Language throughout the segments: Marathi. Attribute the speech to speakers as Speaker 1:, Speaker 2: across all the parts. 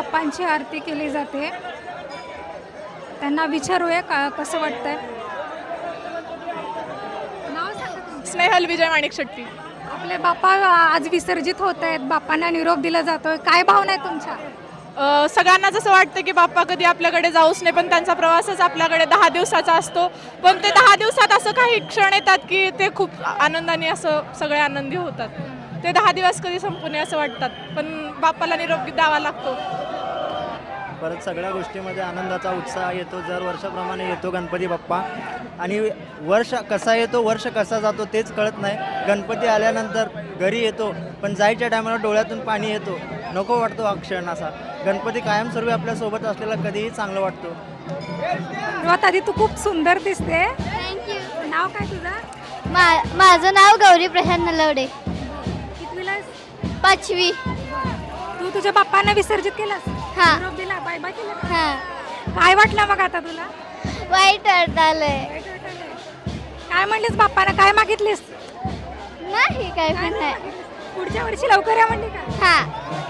Speaker 1: बाप्पांची आरती केली जाते. त्यांना विचारूया कसं वाटतंय. नाव सांगा तुमचं.
Speaker 2: स्नेहल विजय माणिक शेट्टी.
Speaker 1: आपले बाप्पा आज विसर्जित होत आहेत. बाप्पांना निरोप दिला जातोय. काय भावना आहे तुमच्या?
Speaker 2: सगळ्यांना जसं वाटतं की बाप्पा कधी आपल्याकडे जाऊच नाही, पण त्यांचा प्रवासच आपल्याकडे 10 दिवसाचा असतो. पण ते 10 दिवसात असं काही क्षण येतात की ते खूप आनंदाने असं सगळे आनंदी होतात. ते 10 दिवस कधी संपू नये असं वाटतात, पण बाप्पाला निरोप द्यावा लागतो.
Speaker 3: परत सगळ्या गोष्टीमध्ये आनंदाचा उत्साह येतो. दर वर्षाप्रमाणे येतो गणपती बाप्पा. आणि वर्ष कसा येतो, वर्ष कसा जातो तेच कळत नाही. गणपती आल्यानंतर घरी येतो, पण जायच्या टायमाला डोळ्यातून पाणी येतो. नको वाटतो हा क्षण असा. गणपती कायमस्वरूपी आपल्यासोबत असलेला कधीही चांगलं वाटतो.
Speaker 1: सर्वात आधी तू खूप सुंदर दिसते.
Speaker 4: थँक्यू.
Speaker 1: नाव काय तुझं?
Speaker 4: माझं नाव गौरी प्रशांत नलवडे.
Speaker 1: कितवीला आहेस?
Speaker 4: 5वी.
Speaker 1: तू तुझ्या बाप्पांना विसर्जित केलंस?
Speaker 4: हा.
Speaker 1: निरोप दिला, बाय बाय केलं का?
Speaker 4: हां.
Speaker 1: काय वाटलं मग आता तुला?
Speaker 4: वाईट वाटायलंय.
Speaker 1: काय म्हणलीस बाप्पांना? काय मागितलीस?
Speaker 4: नाही काय पण नाही.
Speaker 1: पुढच्या वर्षी लवकर या म्हणली का?
Speaker 4: हां.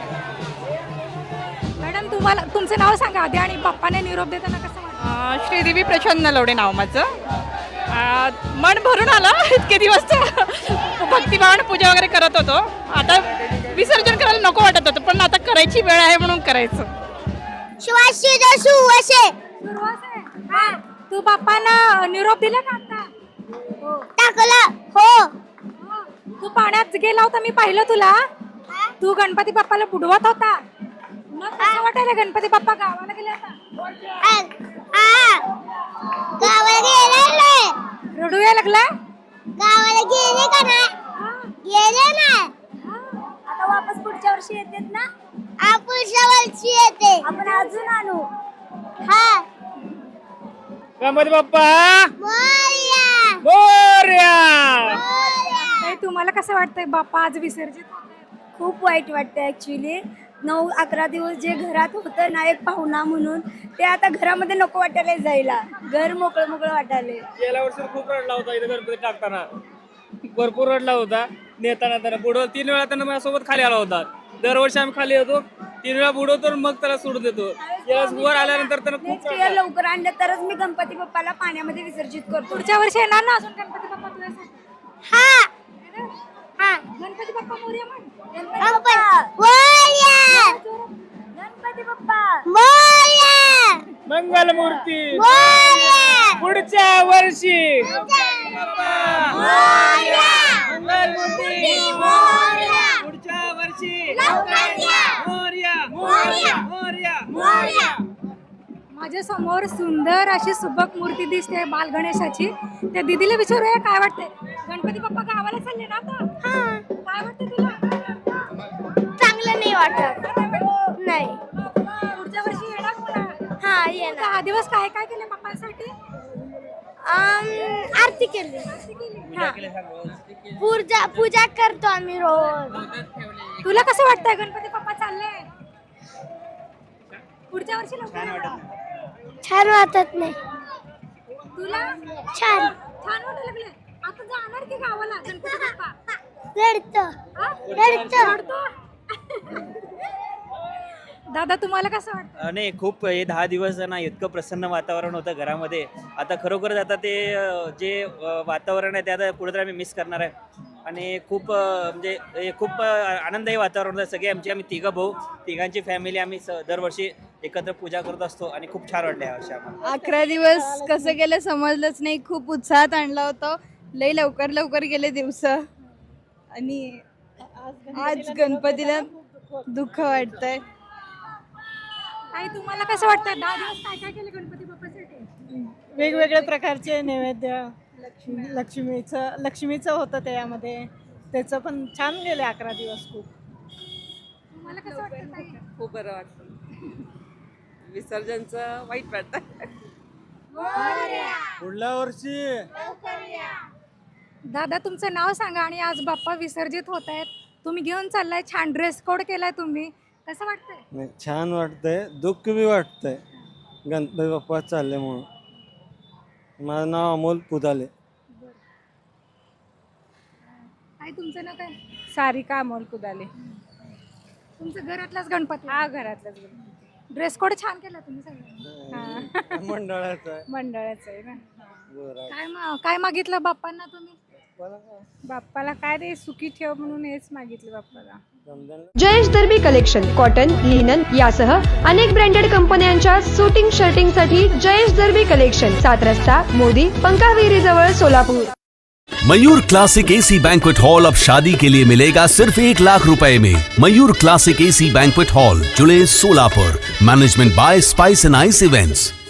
Speaker 1: मॅडम तुम्हाला तुमचं नाव सांगा आधी आणि बाप्पाने निरोप देताना कसं वाटतं?
Speaker 2: श्रीदेवी प्रचंड नलवडे नाव माझं. मन भरून आलं. इतके दिवस भक्तिभावानं पूजा वगैरे करत होतो. आता विसर्जन करायला नको वाटत होतं, पण आता करायची वेळ आहे म्हणून करायचं.
Speaker 4: सुवासिनी सुवासे.
Speaker 1: सुरुवात आहे. हा. तू बाप्पांना निरोप दिला का आता?
Speaker 4: टाकला. हो.
Speaker 1: हो. तू पाण्यात गेला होता, मी पाहिलं तुला. तू गणपती बाप्पाला बुडवत होता. मग कसं वाटायला गणपती बाप्पा गावाला गेले आता?
Speaker 4: गावाला गेले नाही.
Speaker 1: रडू यायला लागला?
Speaker 4: गावाला गेले का नाही? गेले नाही.
Speaker 1: आता वापस पुढच्या वर्षी येतात ना?
Speaker 4: पुढच्या वर्षी येते.
Speaker 1: आपण अजून आणू.
Speaker 4: हा.
Speaker 5: गणपती बाप्पा
Speaker 4: मोरया.
Speaker 5: मोरया.
Speaker 1: ताई, तुम्हाला कसं वाटतंय बाप्पा आज विसर्जित होतायत?
Speaker 6: खूप वाईट वाटतं ॲक्च्युली. 9-11 दिवस जे घरात होतं ना एक पाहुणा म्हणून, ते आता घरामध्ये नको वाटायला जायला. घर मोकळं मोकळं वाटायला.
Speaker 5: गेल्या वर्षी खूप रडला होता इथं गणपती टाकताना. भरपूर रडला होता. नेताना त्याला बुडव 3 वेळा त्यानं माझ्यासोबत खाली आला होता. दरवर्षी आम्ही खाली येतो, 3 वेळा बुडवतो आणि मग त्याला सोडून देतो. यावेळेस वर आल्यानंतर त्यानं खूप
Speaker 6: नेक्स्ट इयर लवकर आणलं तरच मी गणपती बाप्पाला पाण्यामध्ये विसर्जित करतो.
Speaker 1: पुढच्या वर्षी येणार ना अजून गणपती बाप्पा तुझ्यासाठी?
Speaker 4: हा. हा.
Speaker 1: गणपती बाप्पा मोरया म्हण.
Speaker 4: मोरया.
Speaker 6: गणपती बाप्पा
Speaker 4: मोरया.
Speaker 5: मंगलमूर्ती
Speaker 4: मोरया.
Speaker 5: पुढच्या वर्षी
Speaker 4: मोरया.
Speaker 5: मंगलमूर्ती
Speaker 4: मोरया.
Speaker 5: पुढच्या वर्षी
Speaker 4: लवकर या.
Speaker 5: मोरया
Speaker 4: मोरया.
Speaker 5: मोरया
Speaker 4: मोरया.
Speaker 1: माझ्या समोर सुंदर अशी सुबक मूर्ती दिसते बाल गणेशाची. त्या दीदीला विचारूया काय वाटतंय. गणपती बाप्पा गावाला चालले ना आता? काय वाटतं तुला?
Speaker 4: चांगलं नाही वाटत. नाही.
Speaker 1: पुढच्या वर्षी येणार पुन्हा?
Speaker 4: हा येणार.
Speaker 1: 10 दिवस काय काय केलं बाप्पांसाठी?
Speaker 4: आरती केली. हा. पूजा करतो आम्ही रोज.
Speaker 1: तुला कसं वाटतंय गणपती बाप्पा चालले? पुढच्या वर्षी लवकर येणार?
Speaker 4: छान वाटत नाही.
Speaker 1: तुला
Speaker 4: छान.
Speaker 1: छान वाटायला लागले. आता जाणार की गावाला गणपती बाप्पा?
Speaker 4: रडतो.
Speaker 1: हा?
Speaker 4: रडतो.
Speaker 1: रडतो? दादा तुम्हाला कसं वाटतं?
Speaker 7: नाही खूप हे 10 दिवस ना इतकं प्रसन्न वातावरण होतं घरामध्ये. आता खरोखरच आता ते जे वातावरण आहे ते आता कुठेतरी आम्ही मिस करणार आहे. आणि खूप म्हणजे हे खूप आनंददायी वातावरण होतं. सगळे आम्ही 3 भाऊ, तिघांची फॅमिली आम्ही दरवर्षी एकत्र पूजा करत असतो आणि खूप छान वाटलं यावर्षी आम्हाला.
Speaker 2: 11 दिवस कसं गेलं समजलंच नाही. खूप उत्साहात आणलं होतं. लई लवकर लवकर गेले दिवस आणि आज गणपतीला दुःख वाटतंय.
Speaker 1: ताई तुम्हाला कसं वाटतं 10 दिवस काय काय केलं गणपती बाप्पासाठी?
Speaker 8: वेगवेगळ्या प्रकारचे नैवेद्य लक्ष्मीचं होतं त्यामध्ये. त्याचं पण छान गेले 11 दिवस. खूप
Speaker 1: तुम्हाला कसं वाटतं ताई?
Speaker 9: खूप बरं वाटतं. विसर्जनचं वाईट वाटतं.
Speaker 5: पुढल्या वर्षी
Speaker 1: दादा तुमचं नाव सांगा आणि आज बाप्पा विसर्जित होत आहेत. तुम्ही घेऊन चाललाय, छान ड्रेस कोड केलाय तुम्ही, कसं वाटतंय?
Speaker 3: नाही, छान वाटतंय. दुःख बी वाटतंय गणपती बाप्पा चालले म्हणून. माझं नाव अमोल पुदाले.
Speaker 1: ताई तुमचं नाव काय?
Speaker 2: सारिका अमोल कुदाले.
Speaker 1: तुमचं घरातलाच गणपती?
Speaker 2: हा घरातलाच गणपती.
Speaker 1: ड्रेस कोड छान केला तुम्ही सगळ्यांनी.
Speaker 3: मंडळाचं आहे.
Speaker 8: मंडळाचं आहे ना.
Speaker 1: काय मागितलं बाप्पांना तुम्ही?
Speaker 8: बाप्पाला काय रे सुखी ठेव म्हणून हेच मागितलं बाप्पाला.
Speaker 10: जयेश दर्बी कलेक्शन कॉटन लिनन यासह अनेक ब्रँडेड कंपन्यांच्या सुटिंग शर्टिंग साठी जयेश दर्बी कलेक्शन 7 रस्ता मोदी पंकाविरी जवळ Solapur.
Speaker 11: Mayur classic AC banquet hall अब शादी के लिए मिलेगा सिर्फ 1 लाख रुपए में। Mayur classic AC banquet hall, Jule, Solapur. Management by spice and ice events.